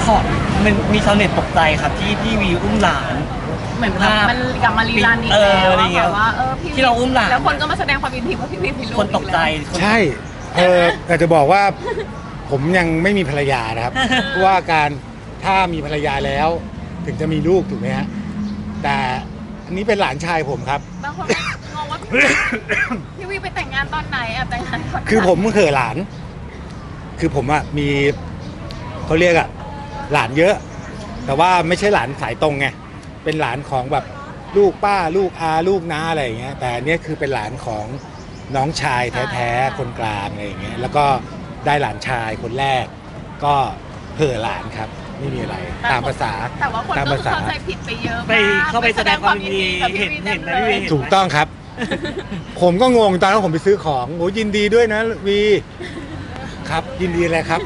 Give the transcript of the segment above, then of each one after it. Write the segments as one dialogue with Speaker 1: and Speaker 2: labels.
Speaker 1: อมันมีชาวเน็ตตกใจครับที่พี่วีอุ้มหลาน
Speaker 2: เหมือนแบบมันกลับมารีรันอีกแล้ว
Speaker 1: อะไรเงี้ย
Speaker 2: แบบว่าพี่
Speaker 1: ที่เราอุ้มหลาน
Speaker 2: แล้วคนก็มาแสดงความยินดีว่าพี่วีมีลูก
Speaker 1: คนตกใจ
Speaker 3: ใช่แต่จะบอกว่าผมยังไม่มีภรรยานะครับ เพราะว่าถ้ามีภรรยาแล้วถึงจะมีลูกถูกไหมฮะแต่อันนี้เป็นหลานชายผมครับ
Speaker 2: บางคนงงว่าพี่วีไปแต่งงานตอนไหนแต่งงานตอนไหน
Speaker 3: คือผมเขยหลาน คือผมอะมีเขาเรียกอะหลานเยอะ แต่ว่าไม่ใช่หลานสายตรงไงเป็นหลานของแบบลูกป้าลูกอาลูกน้าอะไรอย่างเงี้ยแต่อันเนี้ยคือเป็นหลานของน้องชายแท้ๆคนกลางอะไรอย่างเงี้ยแล้วก็ได้หลานชายคนแรก ก็เห่อหลานครับไม่มีอะไรตามภาษา
Speaker 2: แต่ว่าคน
Speaker 3: ตาม
Speaker 2: ก็
Speaker 3: ภาษา
Speaker 2: เข้าใจผิดไปเยอะ
Speaker 1: ไปเข้าไปแสดงความยินดี
Speaker 2: กับพี่
Speaker 1: เห็น
Speaker 2: วี
Speaker 1: เห็นไหม
Speaker 2: ต็
Speaker 1: พี่วี
Speaker 2: เลย
Speaker 3: ถูกต้องครับ ผมก็งงตอนนั้นผมไปซื้อของโอ้ยินดีด้วยนะวีครับยินดีเลยครับ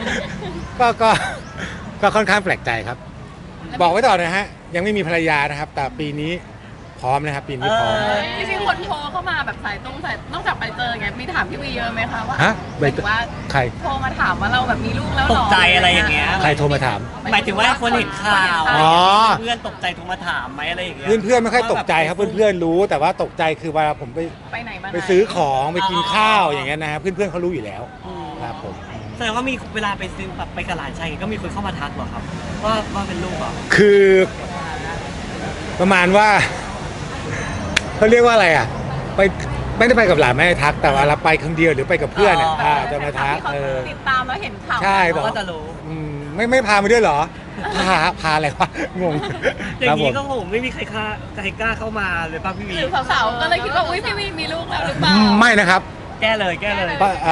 Speaker 3: ก็ค่อนข้างแปลกใจครับ บอกไว้ต่อนะฮะยังไม่มีภรรยานะครับ แต่ปีนี้พร้อมนะครับปีนี้พร้อม
Speaker 2: จริงๆคนโทรเข้ามาแบบสายนอกจากไปเจอไงมีถามพี่วีเยอะไหมคะว่า
Speaker 3: ฮะ
Speaker 2: หมายถึงว่า
Speaker 3: ใคร
Speaker 2: โทรมาถามว่าเราแบบมีลูกแล้วห
Speaker 1: ต
Speaker 2: ร
Speaker 1: กใจอะไรอย่างเงี้ย
Speaker 3: ใครโทรมาถาม
Speaker 1: หมายถึงว่าคนเห็นข่าว
Speaker 3: อ๋อ
Speaker 1: เพื่อนตกใจโทรมาถามไหมอะไรอย่างเงี้ย
Speaker 3: เพื่อนๆไม่ค่อยตกใจครับเพื่อนๆรู้ แต่ว่าตกใจคือเวลาผมไป
Speaker 2: ไปไหนมาไหน
Speaker 3: ไปซื้อของไปกินข้าวอย่างเงี้ยนะเพื่อนๆเขารู้อยู่แล้ว
Speaker 1: อืม
Speaker 3: ครับผม
Speaker 1: แสดงว่ามีเวลาไปซื้อแบบไปกับหลานชายก็มีคนเข้ามาทักเหรอครับว่าเป็นลูกเหรอ
Speaker 3: คือประมาณว่าเขาเรียกว่าอะไรอ่ะไปไม่ได้ไปกับหลานไม่ได้ทัก แต่ว่าเราไปคนเดียวหรือไปกับเพื่อนเนี่ยจะมาทัก
Speaker 2: ที่เขาติดตามแล้วเห็นข่าว
Speaker 3: ใช่บอก
Speaker 1: ก็จะรู้
Speaker 3: ไม่พามาด้วยเหรอพาอะไรวะงง
Speaker 1: อย่างนี้
Speaker 3: ค
Speaker 1: ก็
Speaker 3: รับผม
Speaker 1: ผมไม่มีใครกล้าเข้ามาเลยป่ะพี่วี
Speaker 2: หรือสาวๆก็เลยคิดว่าอุ้ยพี่วีมีลูกแล้วหรือเปล่า
Speaker 3: ไม่นะครับ
Speaker 1: แก้เลยแก้เลย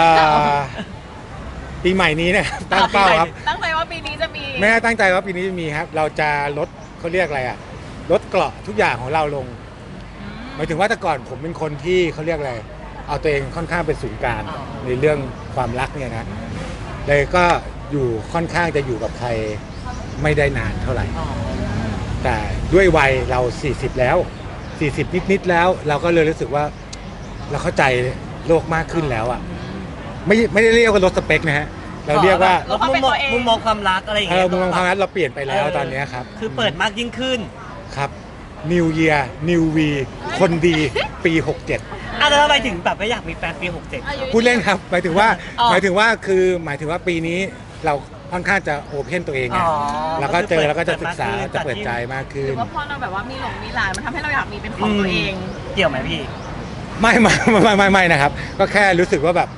Speaker 3: ปีใหม่นี้เนี่ยตั้งเป้าครับ
Speaker 2: ตั้งใจว่าปีนี้จะมี
Speaker 3: แม่ตั้งใจว่าปีนี้จะมีครับ เราจะลดเขาเรียกอะไรอ่ะลดเกราะทุกอย่างของเราลงหมายถึงว่าแต่ก่อนผมเป็นคนที่เขาเรียกอะไรเอาตัวเองค่อนข้างเป็นศูนย์กลางในเรื่องความรักเนี่ยนะเลยก็อยู่ค่อนข้างจะอยู่กับใครไม่ได้นานเท่าไหร่ แต่ด้วยวัยเรา40แล้ว40นิดๆแล้ว เราก็เลยรู้สึกว่าเราเข้าใจโลกมากขึ้นแล้วอ่ะไม่ได้เรียกว่าลดสเปคนะฮะเราเรียกว่า
Speaker 1: ลดมุมมองความรักอะไรอย่างเงี้ย
Speaker 3: มุมมองความรักเราเปลี่ยนไปแล้วตอนนี้ครับ
Speaker 1: คือเปิดมากยิ่งขึ้น
Speaker 3: ครับ New Year New V คนดีปี 67
Speaker 1: แล้วทำไมถึงแบบไม่อยากมีแฟนปี 67
Speaker 3: พูดเล่นครับหมายถึงว่า
Speaker 1: อ๋อ
Speaker 3: หมายถึงว่าปีนี้เราค่อนข้างจะโอเพนตัวเองไง
Speaker 1: อ๋อ
Speaker 3: แล้วก็เจอแล้วก็จะ
Speaker 1: เปิด
Speaker 3: ศึกษา
Speaker 1: เปิดมากขึ้น
Speaker 3: จะเปิดใจมากขึ้
Speaker 2: หรื
Speaker 3: น
Speaker 2: อว่าพอเราแบบว่ามีหลานมันทำให้เราอยากมีเป็นของตัวเอง
Speaker 1: เกี่ยวไหมพี่
Speaker 3: ไม่นะครับ ก็แค่รู้สึกว่าแบบ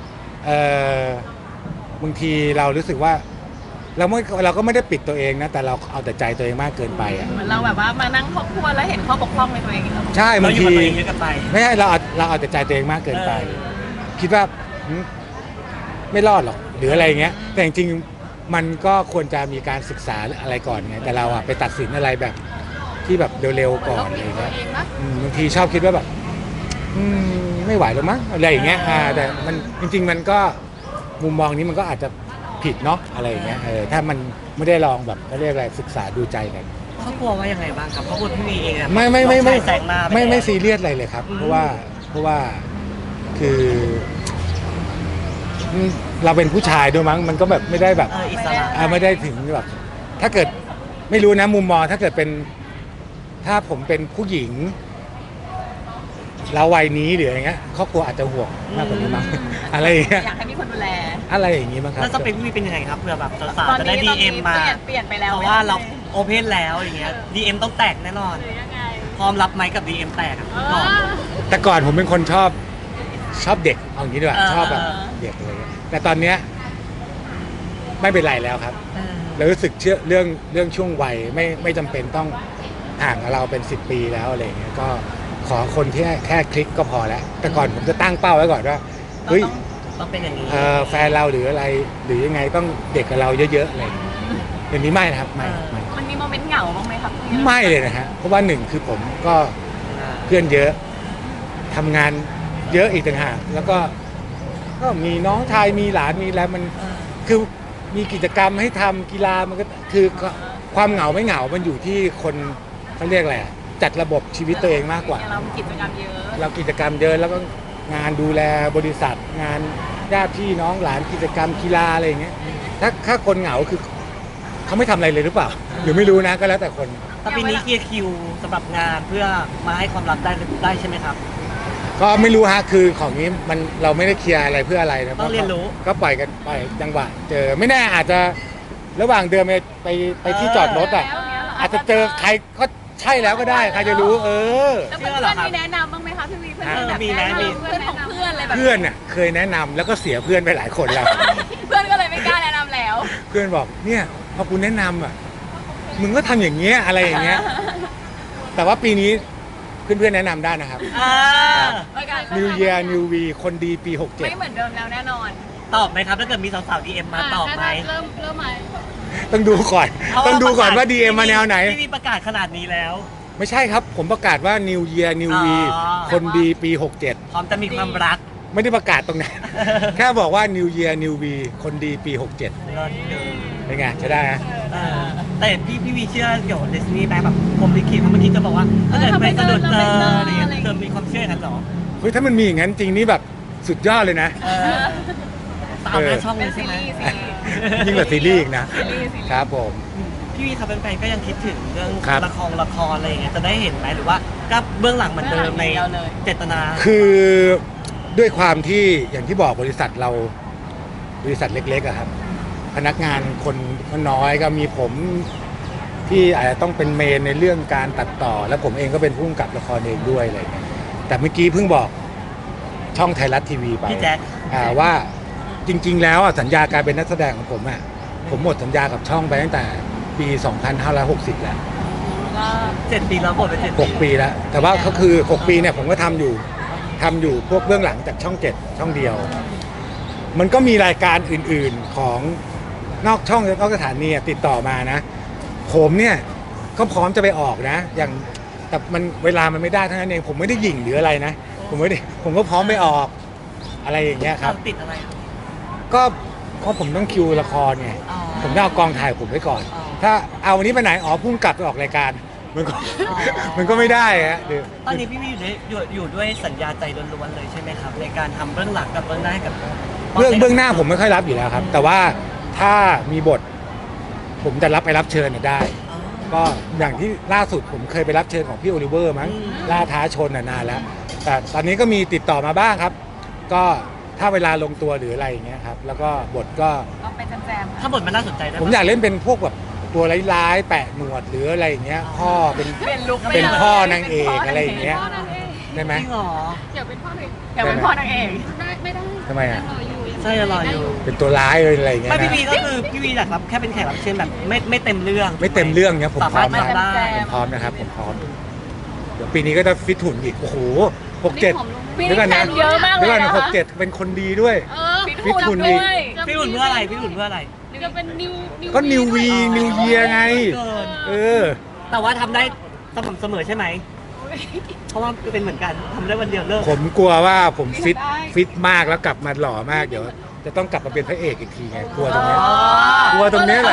Speaker 3: บางทีเรารู้สึกว่าเราก็ไม่ได้ปิดตัวเองนะแต่เราเอาแต่ใจตัวเองมากเกินไปอ่ะ
Speaker 2: เหมือนเราแบบว่ามานั่งทบทวนแล้วเห็นข้อบกพร่องในตัวเองอีกแล้ว
Speaker 3: ใช่
Speaker 1: เรา
Speaker 3: บาง
Speaker 1: อยู่
Speaker 3: ที
Speaker 1: กับตัวเองเยอะเกันไป
Speaker 3: ไม่ใช่เราเอาแต่ใจตัวเองมากเกินไป คิดว่าไม่รอดหรอกหรืออะไรเงี้ยแต่จริงๆมันก็ควรจะมีการศึกษาอะไรก่อนไงแต่เราอะไปตัดสินอะไรแบบที่แบบเร็วๆก่อนอะไร
Speaker 2: ตัว
Speaker 3: เงี้ย
Speaker 2: เองนะ
Speaker 3: บางทีชอบคิดว่าแบบไม่ไหวหรอกมั้งอะไรอย่างเงี้ยแต่มันจริงๆมันก็มุมมองนี้มันก็อาจจะผิดเนาะอะไรอย่างเงี้ยถ้ามันไม่ได้ลองแบบเขาเรียกอะไรศึกษาดูใจกัน
Speaker 1: เขากลัวว่ายังไงบ้างครับเขากลัวพี่วีเองอะ
Speaker 3: ไม่
Speaker 1: น้องชายแซงหน้าป
Speaker 3: ไม่
Speaker 1: แล้ว
Speaker 3: ซีเรียสอะไรเลยครับ เพราะว่าคือเราเป็นผู้ชายด้วยมั้งมันก็แบบไม่ได้แบบ
Speaker 1: อิสระ
Speaker 3: ไม่ได้ถึงแบบถ้าเกิดไม่รู้นะมุมมองถ้าเกิดเป็นถ้าผมเป็นผู้หญิงเราวัยนี้หรืออะไรเงี้ยครอบครัวอาจจะห่วงมากกว่านี้มั้งอะไรอย่างเงี้ย
Speaker 2: อยากให้มีคนดูแล
Speaker 3: อะไรอย่างงี้มั้งครับ
Speaker 1: แล้วสเปคพี่วีเป็นยังไงครับเผื่อแบบสาว
Speaker 2: ตอน
Speaker 1: ๆจะได้
Speaker 2: นี้
Speaker 1: DM มา
Speaker 2: เปลี่ยนไปแล้ว
Speaker 1: เพราะว่าเราโอเพนแล้วอย่างเงี้ย DM ต้องแตกแน่นอน
Speaker 2: หรือยังไง
Speaker 1: พร้อมรับไหมกับ DM แตกอะก่อน
Speaker 3: แต่ก่อนผมเป็นคนชอบเด็กเอาอย่างนี้ดีกว่าชอบแบบเด็กอะไรเงี้ยแต่ตอนเนี้ยไม่เป็นไรแล้วครับ เรารู้สึกเชื่อเรื่องช่วงวัยไม่จำเป็นต้องห่างกับเราเป็น10 ปีแล้วอะไรอย่างเงี้ยก็ขอคนที่แค่คลิกก็พอแล้วแต่ก่อนผมจะตั้งเป้าไว้ก่อนว่าเฮ้ย
Speaker 1: ต้องเป็นอย่างนี้
Speaker 3: แฟนเราหรืออะไรหรือยังไงต้องเด็กกับเราเยอะๆอะไรอย่างเงี้ยเดี๋ยวนี้ไม่นะครับไม่
Speaker 2: มันมีโมเมนต์เหงาบ้างไหมครับ
Speaker 3: ไม่เลยนะฮะเพราะว่าหนึ่งคือผมก็เพื่อนเยอะทำงานเยอะอีกต่างหากแล้วก็มีน้องชายมีหลานมีอะไรมันคือมีกิจกรรมให้ทำกีฬามันก็คือความเหงาไม่เหงามันอยู่ที่คนเขาเรียกอะไรอะจัดระบบชีวิตตัวเองมากกว่า
Speaker 2: เรามีกิจกรรมเยอะ
Speaker 3: เรากิจกรรมเยอะแล้วก็งานดูแลบริษัทงานญาติพี่น้องหลานกิจกรรมกีฬาอะไรอย่างเงี้ยถ้าคนเหงาคือเขาไม่ทำอะไรเลยหรือเปล่าหรือไม่รู้นะก็แล้วแต่คน
Speaker 1: แต่ปีนี้เคลียร์คิวสำหรับงานเพื่อมาให้ความรักได้ใช่ไหมครับ
Speaker 3: ก็ไม่รู้ฮะคือของนี้มันเราไม่ได้เคลียร์อะไรเพื่ออะไรนะ
Speaker 1: ต้องเรียนรู้
Speaker 3: ก็ปล่อยกันไปจังหวะเจอไม่แน่อาจจะระหว่างเดินไปที่จอดรถอ่ะอาจจะเจอใครก็ใช่แล้วก็ได้ใครจะรู้
Speaker 2: แล้วเพื่อนๆมีแนะนำบ้างไหมคะพี่วีเพื่อนๆแบบ
Speaker 1: มี
Speaker 2: แนะ
Speaker 1: นะมี
Speaker 2: นำเพื่อนของเพื่อนอะไรแบบ
Speaker 3: เพื่อนน่ะเคยแนะนำแล้วก็เสียเพื่อนไปหลายคนแล้ว
Speaker 2: เพื่อนก็เลยไม่กล้าแนะนำแล้ว
Speaker 3: เพื่อนบอกเนี่ยพอกูแนะนำอ่ะมึงก็ทำอย่างเงี้ยอะไรอย่างเงี้ยแต่ว่าปีนี้เพื่อนๆแนะนำได้นะครับ
Speaker 1: อ่า
Speaker 3: New Year New V คนดีปี
Speaker 2: ไม่เหมือนเดิมแล้วแน่นอน
Speaker 1: ตอบไหมครับถ้าเกิดมีสาวๆ DM มาตอบไหม
Speaker 2: เริ่มไหม
Speaker 3: 67 ต้องดูก่อนต้องดูก่อนว่า DM มาแนวไหน
Speaker 1: พี่วีประกาศขนาดนี้แล้ว
Speaker 3: ไม่ใช่ครับ ผมประกาศว่า New Year New V
Speaker 1: อ๋อ
Speaker 3: คนดีปี
Speaker 1: พร้อมจะมีความรัก
Speaker 3: 67 ไม่ได้ประกาศตรงไหน แค่บอกว่า New Year New V คนดีปี 67
Speaker 1: เลิศเลย
Speaker 3: เป็นไงใช่ได้นะ
Speaker 1: แต่พี่วีเชื่อเกี่ยวกับเดสนีย์ไหมแบบผมลิขิตเพราะเมื่อกี้จะบอกว่าถ้าเกิดไปสะดุดเจออะไรอย่างเงี้ยเธอมีความเชื่ออย่างนั้นเหรอ
Speaker 3: เฮ้ยถ้ามันมีอย่างนั้นจริงนี่แบบสุดยอดเลยนะ
Speaker 1: ตามหน้าช่องเล
Speaker 2: เป็น
Speaker 1: ยใช่
Speaker 2: ซี
Speaker 1: ไหม
Speaker 2: รีส์
Speaker 3: ยิ่งกว่าซีรีส์อีกนะ
Speaker 2: ซีรีส์
Speaker 3: ครับผม
Speaker 1: พี่วีครับแฟนๆก็ยังคิดถึงเรื่อง
Speaker 3: ครับ
Speaker 1: ละครอะไรอย่างเงี้ยจะได้เห็นไหมหรือว่าก็เบื้องหลังเหมือนเดิมในเจตนา
Speaker 3: คือด้วยความที่อย่างที่บอกบริษัทเราบริษัทเล็กๆอะครับ พนักงานคนก็น้อยก็มีผมที่อาจจะต้องเป็นเมนในเรื่องการตัดต่อ แล้วผมเองก็เป็นผู้กำกับละครเองด้วยอะไรอย่างเงี้ยแต่เมื่อกี้เพิ่งบอกช่องไทยรัฐทีวีไป
Speaker 1: พี่แจ๊ค
Speaker 3: ว่าจริงๆแล้วอะสัญญาการเป็นนักแสดงของผมอะผมหมดสัญญากับช่องไปตั้งแต่ปี 2560 แล้ว
Speaker 1: 7 ปีแล้วหมดไป7
Speaker 3: 6 ปีแล้ว แต่ว่าก็คือ 6 ปีเนี่ยผมก็ทำอยู่พวกเบื้องหลังจากช่อง 7 ช่องเดียว มันก็มีรายการอื่นๆของนอกช่องนอกสถานีอะติดต่อมานะ ผมเนี่ยก็พร้อมจะไปออกนะ อย่างแต่มันเวลามันไม่ได้เท่านั้นเองผมไม่ได้หยิ่งหรืออะไรนะ ผมก็พร้อมไปออกอะไรอย่างเงี้ยครับ
Speaker 1: ติดอะไรครับ
Speaker 3: ก็เพราะผมต้องคิวละครไง
Speaker 1: อ๋อ
Speaker 3: ผมต้องเอากองถ่ายผมไว้ก่อน
Speaker 1: อ๋อ
Speaker 3: ถ้าเอาวันนี้ไปไหนอ๋อพุ่งกลับไปออกรายการมันก็
Speaker 1: อ๋อ
Speaker 3: มันก็ไม่ได้ฮะเดี๋ยว
Speaker 1: ตอนนี้พี่วีอยู่ด้วยสัญญาใจล้วนๆเลยใช่ไหมครับในการทำเบื้องหลังกับเบื้องหน้าให้กับ
Speaker 3: เบื้องหน้าผมไม่ค่อยรับอยู่แล้วครับ แต่ว่าถ้ามีบท ผมจะรับไปรับเชิญเนี่ยได้
Speaker 1: อ๋อ
Speaker 3: ก็อย่างที่ล่าสุดผมเคยไปรับเชิญของพี่โอลิเวอร์มั้ง
Speaker 1: อืม
Speaker 3: ล่าท้าชนนานแล้ว แต่ตอนนี้ก็มีติดต่อมาบ้างครับ ก็ถ้าเวลาลงตัวหรืออะไรอย่างเงี้ยครับ แล้วก็บทก็
Speaker 2: ก็ไปแจมๆ
Speaker 1: ถ้าบทมันน่าสนใจได้
Speaker 3: ผมอยากเล่นเป็นพวกแบบตัวร้ายๆแปะหนวดหรืออะไรอย่างเงี้ยพ่อเป็น
Speaker 2: เปลี่ยนลุค
Speaker 3: เป็นพ่อนางเอกอะไรอย่างเงี้ย ได้ไหม
Speaker 1: จริงเหรอ
Speaker 2: อยากเป็นพ่อนางเอกอยากเป็นพ่อนางเอกไม่ได้
Speaker 3: ทำไมอ่ะ
Speaker 1: ใช่รออยู่
Speaker 3: เป็นตัวร้ายเลยอะไรอย่างเงี้ย
Speaker 1: ไม่
Speaker 3: นะ
Speaker 1: พี่วีก็คือพี่วีอยากรับแค่เป็นแขกรับเชิญแบบไม่เต็มเรื่อง
Speaker 3: ไม่เต็มเรื่องเนี้ยผมพร้อม
Speaker 1: สาารถ
Speaker 3: นะ
Speaker 1: ทำได้
Speaker 3: ผมพร้อมนะครับผมพร้อมเดี๋ยวปีนี้ก็จะฟิตหุ่นอีกโอ้โห67
Speaker 2: ปี
Speaker 3: เดี๋ยวก่อน
Speaker 2: นี้แฟ
Speaker 3: นะ
Speaker 2: นเยอะมากเล
Speaker 3: เดี๋ย
Speaker 2: ยว
Speaker 3: ก่อน
Speaker 2: นะ
Speaker 3: นะ
Speaker 2: คะ
Speaker 3: 67เป็นคนดีด้วย
Speaker 2: ฟิตหุ่น
Speaker 3: อีก
Speaker 2: ด้วย
Speaker 1: พี่หุ่นเพื่ออะไรพี่หุ่นเพื่ออะไร
Speaker 2: จะเป็นนิว
Speaker 3: ก็นิววีนิวเยียไง
Speaker 1: เกิน
Speaker 3: เออ
Speaker 1: แต่ว่าทำได้สม่ำเสมอใช่ไหม เพราะว่าเป็นเหมือนกันทำได้วันเดียวเลิก
Speaker 3: ผมกลัวว่าผมฟิตมากแล้วกลับมาหล่อมากเดี๋ยว จะต้องกลับมาเป็นพระเอกอีกทีไงกลัวตรงเนี้ย กลัวตรงเนี้ยแหละ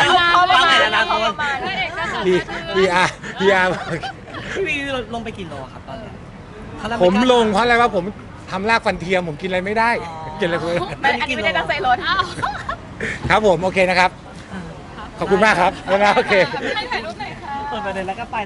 Speaker 3: PR
Speaker 1: พี่วีลงไปกี่โลครับตอนเนี้ยเขาเริ่
Speaker 3: ผม
Speaker 1: ไกา
Speaker 3: ลงเพราะอะไรว่าผมทำรากฟันเทียมผมกินอะไรไม่ได้
Speaker 1: อ๋อ
Speaker 3: กินอะไรไม่ได้
Speaker 2: อันนี้ไม่ได้ตั้งใจรถ
Speaker 3: ครับผมโอเคนะครับ ขอบคุณมากครับแล้วนะโอเค
Speaker 2: ให้ถ่ายรูปหน่อยค่ะ
Speaker 1: เปิดประเด็นแล้วก็ไป